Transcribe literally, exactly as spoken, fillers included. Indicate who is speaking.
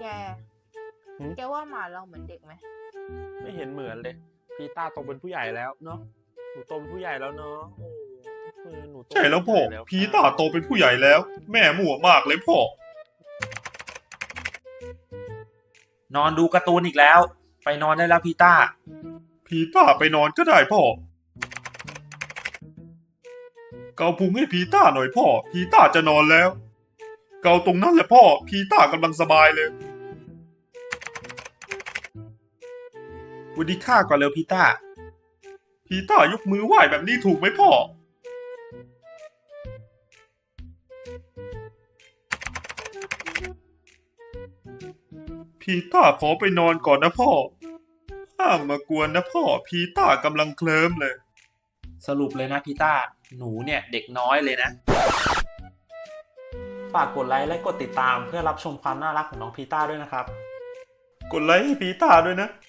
Speaker 1: ไงแกว่าหมาเราเหมือนเด็กไหม
Speaker 2: ไม่เห็นเหมือนเลยพีต้าโตเป็นผู้ใหญ่แล้วเนาะหนูโตเป็นผู้ใหญ่แล้วเนาะโอ้หนูโต
Speaker 3: ใช่แล้วพ่อพีต้าโตเป็นผู้ใหญ่แล้ว แม่มั่วมากเลยพ่อนอนดูการ์ตูนอีกแล้ว ไปนอนได้แล้วพีต้าพีต้าไปนอนก็ได้พ่อเกาพุงให้พีต้าหน่อยพ่อพีต้าจะนอนแล้ว เกาตรงนั้นแหละพ่อพีต้ากำลังสบายเลยวันดีข้าก่อนเร็วพีต้าพีต้ายกมือไหว้แบบนี้ถูกไหมพ่อพีต้าขอไปนอนก่อนนะพ่อห้ามมากวนนะพ่อพีต้ากำลังเคลิ้มเลยสรุปเลยนะพีต้าหนูเนี่ยเด็กน้อยเลยนะฝากกดไลค์และกดติดตามเพื่อรับชมความน่ารักของน้องพีต้าด้วยนะครับกดไลค์ให้พีต้าด้วยนะ